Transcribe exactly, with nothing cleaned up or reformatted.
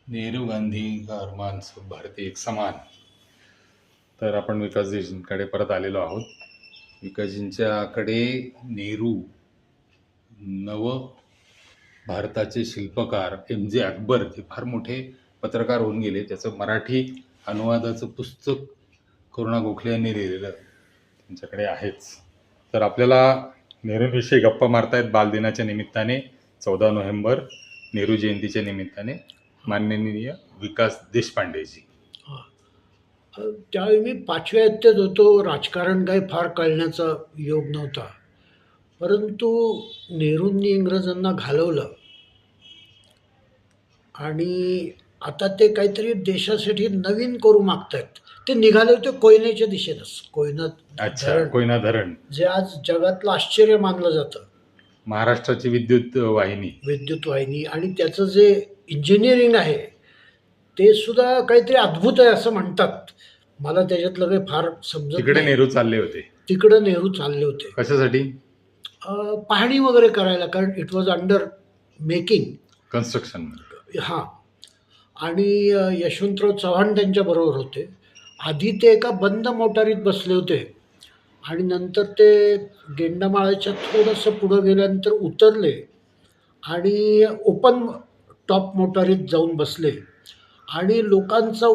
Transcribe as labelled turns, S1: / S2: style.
S1: नेहरू गांधी का अरमान सब भारतीय एक समान. तर आपण विकासजींकडे परत आलेलो आहोत. विकासजींच्याकडे नेहरू नव भारताचे शिल्पकार एम जे अकबर हे फार मोठे पत्रकार होऊन गेले. त्याचं मराठी अनुवादाचं पुस्तक करुणा गोखले यांनी लिहिलेलं त्यांच्याकडे आहेच. तर आपल्याला नेहरूंविषयी गप्पा मारतायत बालदिनाच्या निमित्ताने चौदा नोव्हेंबर नेहरू जयंतीच्या निमित्ताने माननीय विकास देशपांडेजी.
S2: त्यावेळी मी पाचव्या इयत्तेत होतो. राजकारण काही फार कळण्याचा योग नव्हता, परंतु नेहरूंनी इंग्रजांना घालवलं आणि आता ते काहीतरी देशासाठी नवीन करू मागतायत. ते निघाले होते कोयनेच्या दिशेनंच. कोयना
S1: अच्छा,
S2: धरण,
S1: कोयना धरण
S2: जे आज जगातलं आश्चर्य मानलं जातं,
S1: महाराष्ट्राची विद्युत वाहिनी
S2: विद्युत वाहिनी, आणि त्याचं जे इंजिनिअरिंग आहे ते सुद्धा काहीतरी अद्भुत आहे असं म्हणतात. मला त्याच्यातलं काही फार समजत
S1: तिकडे
S2: नाही.
S1: नेहरू चालले होते.
S2: तिकडं नेहरू चालले होते
S1: कशासाठी?
S2: अं, पाहणी वगैरे करायला, कारण it was under making,
S1: construction.
S2: हां. आणि अ, यशवंतराव चव्हाण त्यांच्याबरोबर होते. आधी ते एका बंद मोटारीत बसले होते आणि नंतर ते गेंडामाळ्याच्या थोडंसं पुढं गेल्यानंतर उतरले आणि ओपन टॉप मोटारीत जाऊन बसले आणि लोकांचा